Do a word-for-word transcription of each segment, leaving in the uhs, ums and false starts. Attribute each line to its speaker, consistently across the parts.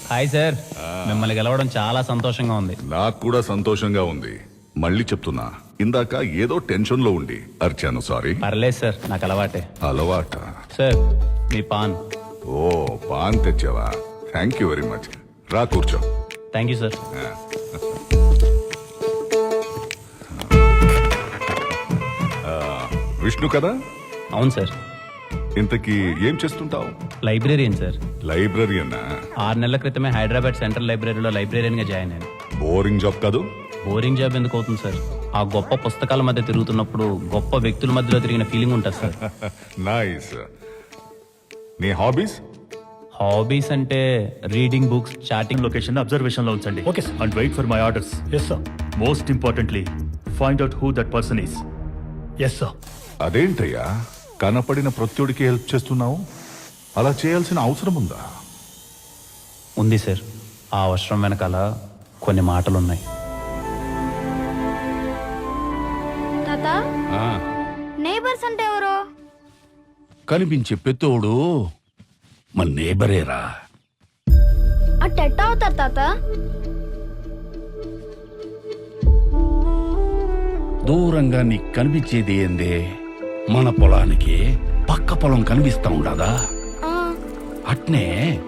Speaker 1: Hi sir, మిమ్మల్ని గెలవడం చాలా సంతోషంగా ఉంది.
Speaker 2: నాకు కూడా సంతోషంగా ఉంది. మళ్ళీ చెప్తున్నా, ఇందాక ఏదో టెన్షన్ లో ఉండి అర్చాను. సారీ.
Speaker 1: పర్లేదు సార్, నాకు అలవాటే.
Speaker 2: అలవాట?
Speaker 1: సార్ మీ పాన్.
Speaker 2: ఓ, పాన్ తెచ్చావా? Thank you very much. రా కూర్చో.
Speaker 1: Thank you sir.
Speaker 2: విష్ణు కదా?
Speaker 1: అవును సార్.
Speaker 2: ఇంతకీ ఏం చేస్తుంటావు?
Speaker 1: Librarian sir.
Speaker 2: లైబ్రరీయన్నా?
Speaker 1: ఆరు నెలల క్రితమే హైదరాబాద్ సెంట్రల్ లైబ్రరీలో లైబ్రేరియన్ గా జాయిన్ అయ్యాను.
Speaker 2: బోరింగ్ జాబ్ కాదు?
Speaker 1: బోరింగ్ జాబ్ ఎందుకు అవుతుంది సార్? ఆ గొప్ప పుస్తకాల మధ్య తిరుగుతున్నప్పుడు గొప్ప వ్యక్తుల మధ్యలో తిరిగిన ఫీలింగ్ ఉంటుంది సార్.
Speaker 2: నైస్. నీ హాబీస్?
Speaker 1: హాబీస్ అంటే reading books, chatting.
Speaker 3: Location observation లో ఉంచండి.
Speaker 4: Okay sir.
Speaker 3: And wait for my orders.
Speaker 4: Yes sir.
Speaker 3: Most importantly find out who that person is.
Speaker 4: Yes sir.
Speaker 2: అదేంటయ్యా, కనపడిన ప్రత్యుడికి హెల్ప్ చేస్తున్నావు? అలా చేయాల్సిన అవసరం ఉందా?
Speaker 1: ఉంది సార్. ఆ అవసరం వెనకాల కొన్ని మాటలున్నాయి.
Speaker 5: తాత, నేబర్స్ అంటే ఎవరు?
Speaker 6: కనిపించే పెత్తోడు మన నేబరేరా.
Speaker 5: అట్టెట్ట అవుతారు తాత?
Speaker 6: దూరంగా నీకు కనిపించేది ఏందే? మన పొలానికి పక్క పొలం కనిపిస్తా ఉండదా?
Speaker 5: ఆ,
Speaker 6: అట్నే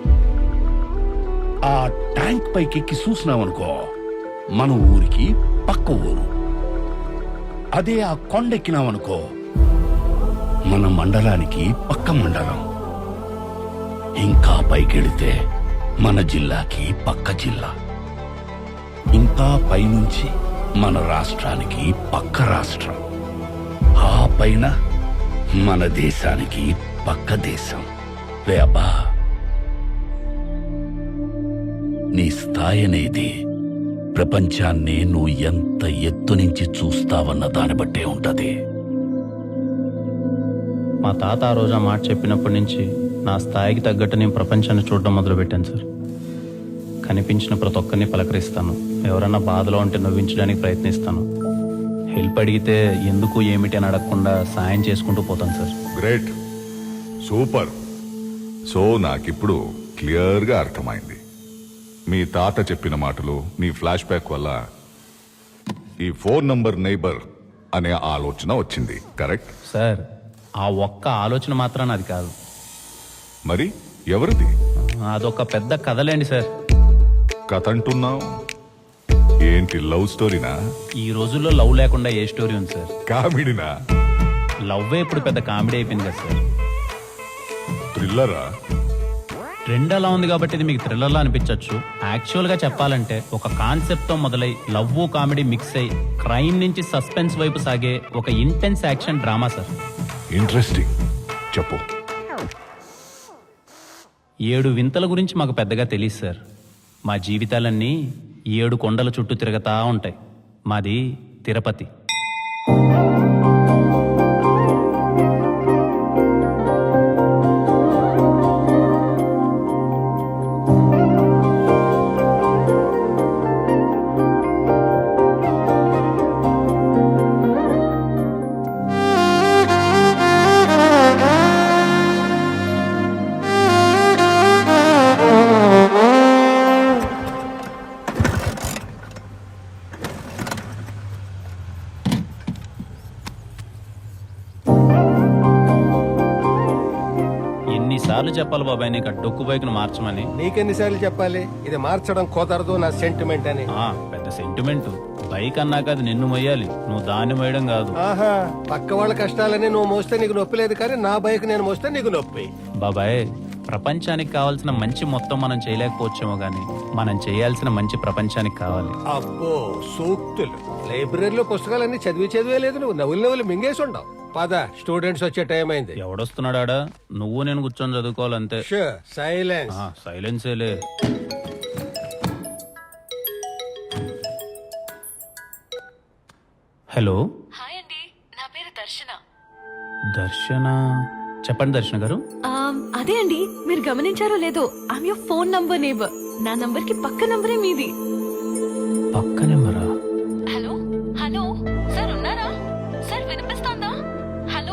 Speaker 6: ఆ ట్యాంక్ పైకి ఎక్కి చూసినావనుకో, మన ఊరికి పక్క ఊరు. అదే ఆ కొండెక్కినావనుకో, మన మండలానికి పక్క మండలం. ఇంకా పైకెళితే మన జిల్లాకి పక్క జిల్లా. ఇంకా పైనుంచి మన రాష్ట్రానికి పక్క రాష్ట్రం. ఆ పైన మన దేశానికి పక్క దేశం. రే అబ్బా, నీ స్థాయి అనేది ప్రపంచాన్ని నువ్వు ఎంత ఎత్తు నుంచి చూస్తావన్న దాన్ని బట్టే ఉంటది.
Speaker 1: మా తాత ఆ రోజు ఆ మాట చెప్పినప్పటి నుంచి నా స్థాయికి తగ్గట్టు నేను ప్రపంచాన్ని చూడడం మొదలుపెట్టాను సార్. కనిపించిన ప్రతి ఒక్కరిని పలకరిస్తాను. ఎవరన్నా బాధలో ఉంటే నవ్వించడానికి ప్రయత్నిస్తాను. హెల్ప్ అడిగితే ఎందుకు ఏమిటి అని అడగకుండా సాయం చేసుకుంటూ పోతాను సార్.
Speaker 2: Great, super. సో నాకిప్పుడు క్లియర్గా అర్థమైంది. మీ తాత చెప్పిన మాటలు, మీ ఫ్లాష్ బ్యాక్ వల్ల ఈ ఫోన్ నంబర్ నైబర్ అనే ఆలోచన వచ్చింది. కరెక్ట్
Speaker 1: సార్, ఆ ఒక్క ఆలోచన మాత్రాన అది కాదు.
Speaker 2: మరి ఎవరిది?
Speaker 1: అదొక పెద్ద కథలేండి సార్.
Speaker 2: కథ అంటున్నావు ఏంటి? లవ్ స్టోరీనా?
Speaker 1: ఈ రోజుల్లో లవ్ లేకుండా ఏ స్టోరీ ఉంది సార్?
Speaker 2: కామెడీనా?
Speaker 1: లవ్వే ఇప్పుడు పెద్ద కామెడీ అయిపోయింది కదా సార్.
Speaker 2: థ్రిల్లరా?
Speaker 1: ట్రెండ్ అలా ఉంది కాబట్టి ఇది మీకు థ్రిల్లర్లా అనిపించవచ్చు. యాక్చువల్ గా చెప్పాలంటే ఒక కాన్సెప్ట్ తో మొదలై లవ్ కామెడీ మిక్స్ అయి క్రైమ్ నుంచి సస్పెన్స్ వైపు సాగే ఒక intense action drama sir.
Speaker 2: Interesting, చెప్పు.
Speaker 1: ఏడు వింతల గురించి మాకు పెద్దగా తెలియదు సార్. మా జీవితాలన్నీ ఏడు కొండల చుట్టూ తిరగతా ఉంటాయి. మాది తిరుపతి. ఎన్నిసార్లు చెప్పాలి బాబాయ్ నీకు ఆ డొక్కు బైక్ను మార్చమని?
Speaker 7: నీకెన్నిసార్లు చెప్పాలి ఇది మార్చడం కుదరదు నా సెంటిమెంట్ అని?
Speaker 1: ఆ పెద్ద సెంటిమెంట్. బైక్ అన్నాక అది నిన్ను మొయ్యాలి, నువ్వు దాన్ని మోయడం కాదు.
Speaker 7: ఆహా, పక్క వాళ్ళ కష్టాలని నువ్వు మోస్తే నీకు నొప్పి లేదు, కానీ నా బైక్ నేను మోస్తే నీకు నొప్పి.
Speaker 1: బాబాయ్, ప్రపంచానికి కావాల్సిన మంచి మొత్తం మనం చేయలేకపోవచ్చేమో గానీ మనం చేయాల్సిన మంచి ప్రపంచానికి కావాలి.
Speaker 7: అబ్బో సూక్తులు! లైబ్రరీలో పుస్తకాలన్నీ చదివి చదివే లేదు, నువ్వు నవ్వులు నవ్వులు మింగేసి ఉండవు. పద, స్టూడెంట్స్ వచ్చే టైం అయింది.
Speaker 1: ఎవడొస్తున్నాడా? నువ్వు నేను కూర్చొని చదువుకోవాలంతే.
Speaker 7: సైలెన్స్.
Speaker 1: సైలెన్సేలే. హలో.
Speaker 8: హాయ్ అండి, నా పేరు దర్శన.
Speaker 1: దర్శన? చెప్పండి దర్శన గారు.
Speaker 8: ఆమ్, అదే అండి, మీరు గమనించారో లేదో, I'm your phone number neighbour. నా నంబర్ కి పక్క నంబరే మీది.
Speaker 1: పక్క నెంబరా?
Speaker 8: హలో హలో సార్, ఉన్నారా సార్? వినిపిస్తోందా? హలో,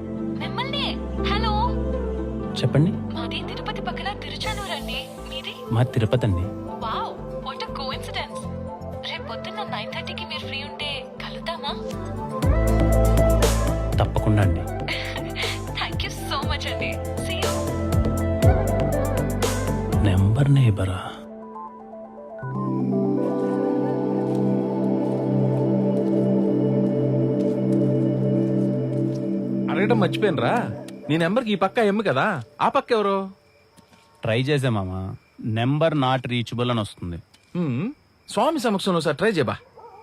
Speaker 8: మిమ్మల్ని. హలో,
Speaker 1: చెప్పండి.
Speaker 8: మాది తిరుపతి పక్కన తిరుచానూరు అండి. మీది?
Speaker 1: మా తిరుపతి అండి.
Speaker 8: Wow what a coincidence. రేపు పొద్దున్న నైన్ థర్టీకి మీరు ఫ్రీ ఉంటే కలుద్దామా?
Speaker 1: తప్పకుండా అండి.
Speaker 8: థ్యాంక్ యూ సో మచ్ అండి. See you.
Speaker 1: నెంబర్ నేబరా?
Speaker 4: అడగడం మర్చిపోయినరా, నీ నెంబర్కి ఈ పక్క ఎమ్ము కదా, ఆ పక్క ఎవరు?
Speaker 1: ట్రై చేసే మామ, నెంబర్ నాట్ రీచబుల్ అని వస్తుంది.
Speaker 4: హ్మ్, స్వామి సమక్షంలో సార్ ట్రై చేయబా.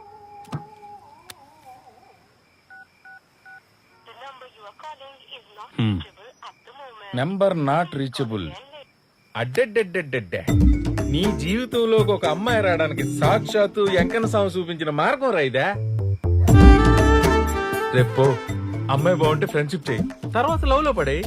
Speaker 1: హ్మ్.
Speaker 4: Number not reachable. అడ్డెడ్డెడ్డెడ్డెడ్డే, నీ జీవితంలోకి ఒక అమ్మాయి రావడానికి సాక్షాత్తు వెంకన్న స్వామి చూపించిన మార్గం రైదా. రేపు అమ్మాయి బాగుంటే ఫ్రెండ్షిప్ చేయి, తర్వాత లవ్ లో పడే.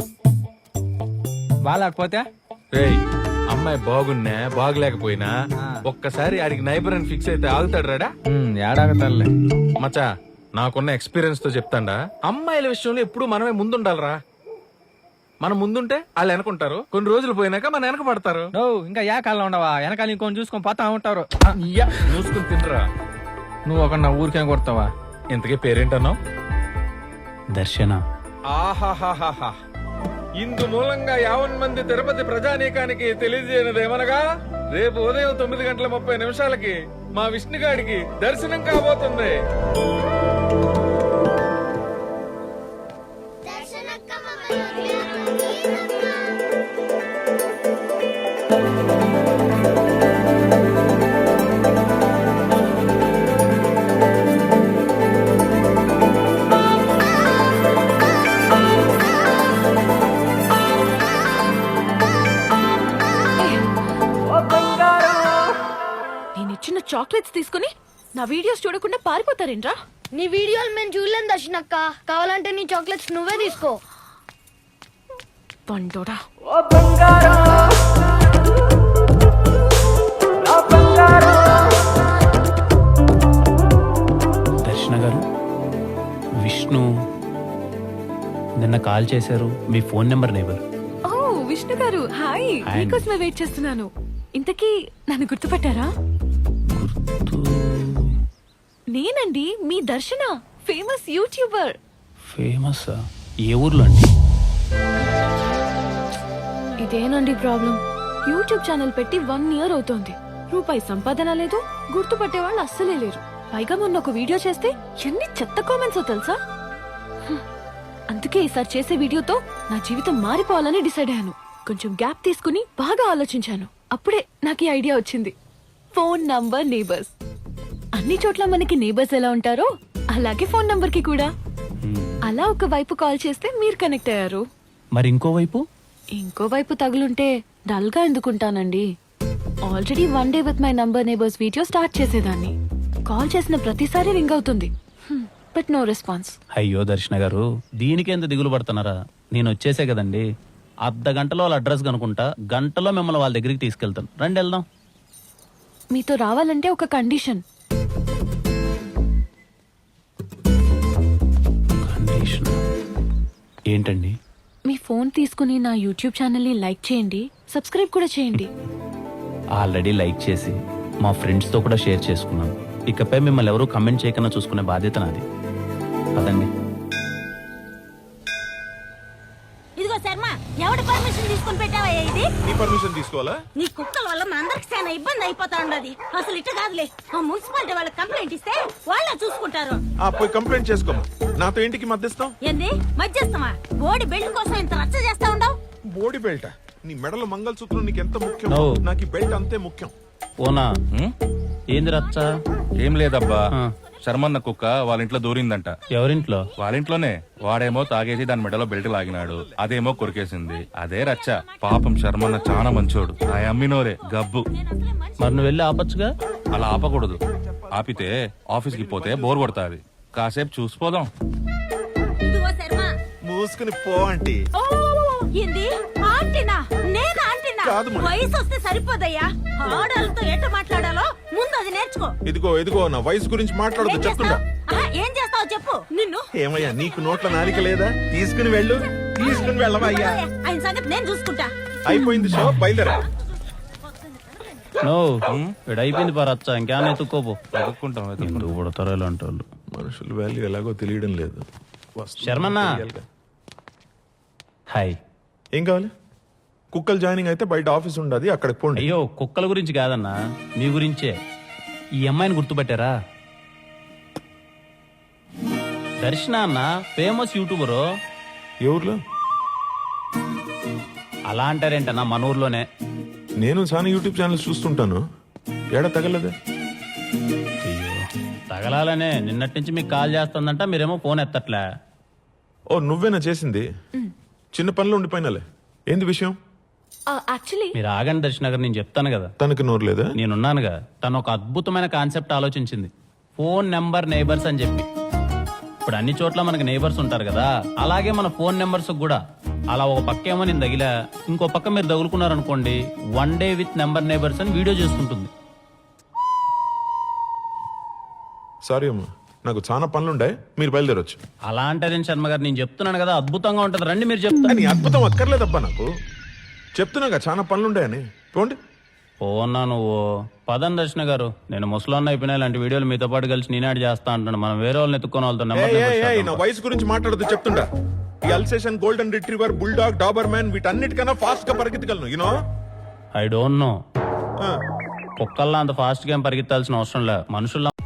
Speaker 7: బాగాలేకపోతే
Speaker 4: రేయ్, అమ్మాయి బాగున్నా బాగలేకపోయినా ఒక్కసారి ఆడికి నైబర్ అని ఫిక్స్ అయితే ఆగుతాడు రాడా?
Speaker 7: ఏడాగతాలే.
Speaker 4: మచా, నాకున్న ఎక్స్పీరియన్స్ తో చెప్తాండా, అమ్మాయిల విషయంలో ఎప్పుడు మనమే ముందుండాలరా. మనం ముందుంటే వాళ్ళు వెనకుంటారు, కొన్ని రోజులు పోయినాక మన వెనక పడతారు.
Speaker 7: నువ్వు ఇంకా ఏ కాలంలో ఉండవా? వెనకాల ఇంకొని చూసుకొని పోతా ఉంటారు.
Speaker 4: ఇయ్యా, చూసుకుని తినరా.
Speaker 7: నువ్వు ఒక నా ఊరికే కొడతావా?
Speaker 4: ఇంతకీ పేరేంటన్నావు?
Speaker 1: దర్శన.
Speaker 4: ఆహాహాహా, ఇందు మూలంగా యావన్ మంది తిరుపతి ప్రజానీకానికి తెలియజేయనదేమనగా, రేపు ఉదయం తొమ్మిది గంటల ముప్పై నిమిషాలకి మా విష్ణుగాడికి దర్శనం కాబోతుంది.
Speaker 8: నేను ఇచ్చిన చాక్లెట్స్ తీసుకుని నా వీడియోస్ చూడకుండా పారిపోతారేంట్రా?
Speaker 5: నీ వీడియోలు మేము చూడలేం దర్శనక్క. కావాలంటే నీ చాక్లెట్స్ నువ్వే తీసుకో.
Speaker 8: పండోడా.
Speaker 1: దర్శన గారు, విష్ణు నిన్న కాల్ చేశారు. మీ ఫోన్ నెంబర్ నేబర్.
Speaker 8: ఓ విష్ణు గారు, హాయ్.
Speaker 1: హాయ్.
Speaker 8: మీకోసమే వెయిట్ చేస్తున్నాను. ఇంతకీ నన్ను గుర్తుపట్టారా? నేనండి మీ దర్శన, ఫేమస్ యూట్యూబర్.
Speaker 1: ఫేమస్? ఏ ఊర్లో అండి?
Speaker 8: ఇదేనండి ప్రాబ్లం. యూట్యూబ్ ఛానల్ పెట్టి వన్ ఇయర్ అవుతోంది. రూపాయి సంపాదన లేదు, గుర్తుపట్టే వాళ్ళు అస్సలే లేరు. పైగా మొన్న ఒక వీడియో చేస్తే ఎన్ని చెత్త కామెంట్స్ తెలుసా? హ్మ్. అందుకే ఈసారి చేసే వీడియోతో నా జీవితం మారిపోవాలని డిసైడ్ అయ్యాను. కొంచెం గ్యాప్ తీసుకుని బాగా ఆలోచించాను. అప్పుడే నాకు ఈ ఐడియా వచ్చింది. Phone number neighbours. అన్ని చోట్ల మనకి నేబర్స్ ఎలా ఉంటారో అలాగే ఫోన్ నంబర్ కి కూడా. అలా ఒక వైపు కాల్ చేస్తే మీరు కనెక్ట్ అయ్యారు.
Speaker 1: మరి ఇంకోవైపు?
Speaker 8: ఇంకోవైపు తగులుంటే డల్ గా ఎందుకుంటానండి? Already one day with my number neighbours video start చేసేదాన్ని. కాల్ చేసిన ప్రతిసారి రింగ్ అవుతుంది, బట్ నో రెస్పాన్స్.
Speaker 1: అయ్యో దర్శన గారు, దీనికి ఎంత దిగులు పడుతున్నారా? నేను వచ్చేసే కదండి. అర్ధ గంటలో వాళ్ళ అడ్రస్ కనుకుంటా, గంటలో మిమ్మల్ని వాళ్ళ దగ్గరికి తీసుకెళ్తాను. రండి వెళ్దాం.
Speaker 8: మీతో రావాలంటే ఒక కండిషన్.
Speaker 1: కండిషన్ ఏంటండి?
Speaker 8: మీ ఫోన్ తీసుకుని నా యూట్యూబ్ ఛానల్ ని లైక్ చేయండి, సబ్స్క్రైబ్ కూడా చేయండి.
Speaker 1: ఆల్రెడీ లైక్ చేసి మా ఫ్రెండ్స్ తో కూడా షేర్ చేసుకున్నాను. ఇకపై మిమ్మల్ని ఎవరు కమెంట్ చేయకుండా చూసుకునే బాధ్యత నాది. పదండి.
Speaker 9: ఇదిగో శర్మ, ఎవడి పర్మిషన్ తీసుకుని పెట్టావా ఇది?
Speaker 4: నీ పర్మిషన్ తీసుకోవాలా?
Speaker 9: నీ కుక్కల వల్ల మా అందరికి చాలా ఇబ్బంది అయిపోతా ఉండదు. అసలు ఇట్ట కాదులే, ఆ మున్సిపాలిటీ వాళ్ళకి కంప్లైంట్ ఇస్తే వాళ్ళే చూసుకుంటారు.
Speaker 10: ఆ పోయి కంప్లైంట్ చేసుకోము. నాతో ఇంటికి మధ్యస్థం
Speaker 9: ఏంది మధ్యస్థమా? బోడి బెల్ట్ కోసం ఇంత రచ్చ చేస్తా ఉండవు.
Speaker 10: బోడి బెల్ట్. నీ మెడలో మంగళసూత్రం నీకు ఎంత ముఖ్యం,
Speaker 1: No.
Speaker 10: నాకు ఈ బెల్ట్ అంతే ముఖ్యం.
Speaker 1: ఓనా? ఏంది రచ్చ?
Speaker 11: ఏం లేదబ్బా,
Speaker 1: ఆ.
Speaker 11: శర్మన్న కుక్క వాళ్ళ ఇంట్లో దూరిందంట.
Speaker 1: ఎవరింట్లో?
Speaker 11: వాళ్ళ ఇంట్లోనే. వాడేమో తాగేసి దాని మెడలో బెల్ట్ లాగినాడు, అదేమో కొరికేసింది. అదే రచ్చ. పాపం శర్మన్న చాలా మంచోడు. ఆ అమ్మినోరే గబ్బు.
Speaker 1: మరి నువ్వు వెళ్ళి ఆపచ్చుగా.
Speaker 11: అలా ఆపకూడదు. ఆపితే ఆఫీస్కి పోతే బోర్ కొడతాది. కాసేపు చూసిపోదాం.
Speaker 9: ఇదిగో శర్మ,
Speaker 10: మూసుకుని పో ఆంటీ.
Speaker 9: ఓ ఏంది ఆంటీనా? నేను ఆంటీనా?
Speaker 10: కాదు మరి.
Speaker 9: వయసు వస్తే సరిపోదయ్యా. ఆడాలతో ఎట్ట మాట్లాడాలో ముందు అది నేర్చుకో.
Speaker 10: ఇదిగో ఇదిగో నా వయసు గురించి మాట్లాడదు
Speaker 9: ఏం
Speaker 10: చెప్తుండా.
Speaker 9: చేస్తావ్? ఆహా, ఏం చేస్తావో చెప్పు. నిన్ను
Speaker 10: ఏమయ్యా నీకు నోట్ల నాలిక లేదా? తీసుకుని వెళ్ళు. తీసుకుని వెళ్ళవా అయ్యా?
Speaker 9: ఆయన సంగతి నేను చూసుకుంటా.
Speaker 10: అయిపోయింది షో, బయలుదేరా.
Speaker 1: నో వీడు అయిపోయింది పరచ్చా ఇంకేమైనా ఎత్తుక్కోపో
Speaker 11: వెతుక్కుంటాం వెతుక్కుంటాం.
Speaker 1: ఎందుకు పుడతారో ఇలాంటి వాళ్ళు.
Speaker 10: మనుషుల వాల్యూ ఎలాగో తెలియడం లేదు. వస్తువులు
Speaker 1: శర్మన్న.
Speaker 10: తెలియాలిగా.
Speaker 1: హాయ్.
Speaker 10: ఏం కావాలి? కుక్కలు జాయినింగ్ అయితే బయట ఆఫీస్ ఉండదు, అక్కడికి పోండి.
Speaker 1: అయ్యో కుక్కల గురించి కాదన్నా మీ గురించే. ఈ అమ్మాయిని గుర్తుపట్టారా? దర్శన అన్న ఫేమస్ యూట్యూబరు.
Speaker 10: ఏ ఊర్లో?
Speaker 1: అలా అంటారేంటన్నా మన ఊర్లోనే.
Speaker 10: నేను చాలా యూట్యూబ్ ఛానల్స్ చూస్తుంటాను. ఏడా తగలదే?
Speaker 1: అయ్యో తగలాలనే నిన్నటి నుంచి మీకు కాల్ చేస్తుందంట, మీరేమో ఫోన్ ఎత్తట్లే.
Speaker 10: ఓ నువ్వేనా చేసింది? చిన్న పనిలో ఉండిపోయినాలే. ఏంది విషయం?
Speaker 8: యాక్చువల్లీ
Speaker 1: మీరు ఆగండి దర్శన గారు, నేను చెప్తాను కదా.
Speaker 10: తనకి నోరు లేదా?
Speaker 1: నేనున్నానుగా. తను ఒక అద్భుతమైన కాన్సెప్ట్ ఆలోచించింది, ఫోన్ నెంబర్ నైబర్స్ అని చెప్పి. ఇప్పుడు అన్ని చోట్ల మనకి నైబర్స్ ఉంటారు కదా, అలాగే మన ఫోన్ నెంబర్స్ కూడా. అలా ఒక పక్క ఏమో నేను తగిలా, ఇంకో పక్క మీరు తగులుకున్నారనుకోండి, one day with number neighbours అని వీడియో చేసుకుంటుంది.
Speaker 10: సారీ అమ్మా, నాకు చాలా పనులుండే, మీరు బయలుదేరొచ్చు.
Speaker 1: అలా అంటారేం శర్మ గారు, నేను చెప్తున్నాను కదా అద్భుతంగా ఉంటుంది, రండి మీరు చెప్తా.
Speaker 10: నీ అద్భుతం అక్కర్లేదబ్బా నాకు. చెప్తున్నాగా చాలా పనులుండాయని. పోండి.
Speaker 1: పోన్నా నువ్వు పదం దర్శన గారు, నేను ముసలాన్న అయిపోయినా ఇలాంటి వీడియోలు మీతో పాటు కలిసి నేనాడు చేస్తా అంటాను. మనం వేరే వాళ్ళని ఎత్తుకొని వాళ్ళతో నెంబర్
Speaker 10: ఏయ్, ఏయ్,
Speaker 1: నెంబర్
Speaker 10: ఏయ్, నా
Speaker 1: చేద్దాం.
Speaker 10: వయసు గురించి మాట్లాడదు చెప్తుంటా. ఈ Alsatian, golden retriever, bulldog, Doberman వీటన్నిటికన్నా ఫాస్ట్ గా పరిగెత్తగలను. You know
Speaker 1: I don't know. కుక్కల్లా అంత ఫాస్ట్ గా ఏం పరిగెత్తాల్సిన అవసరం లే, మనుషుల్లో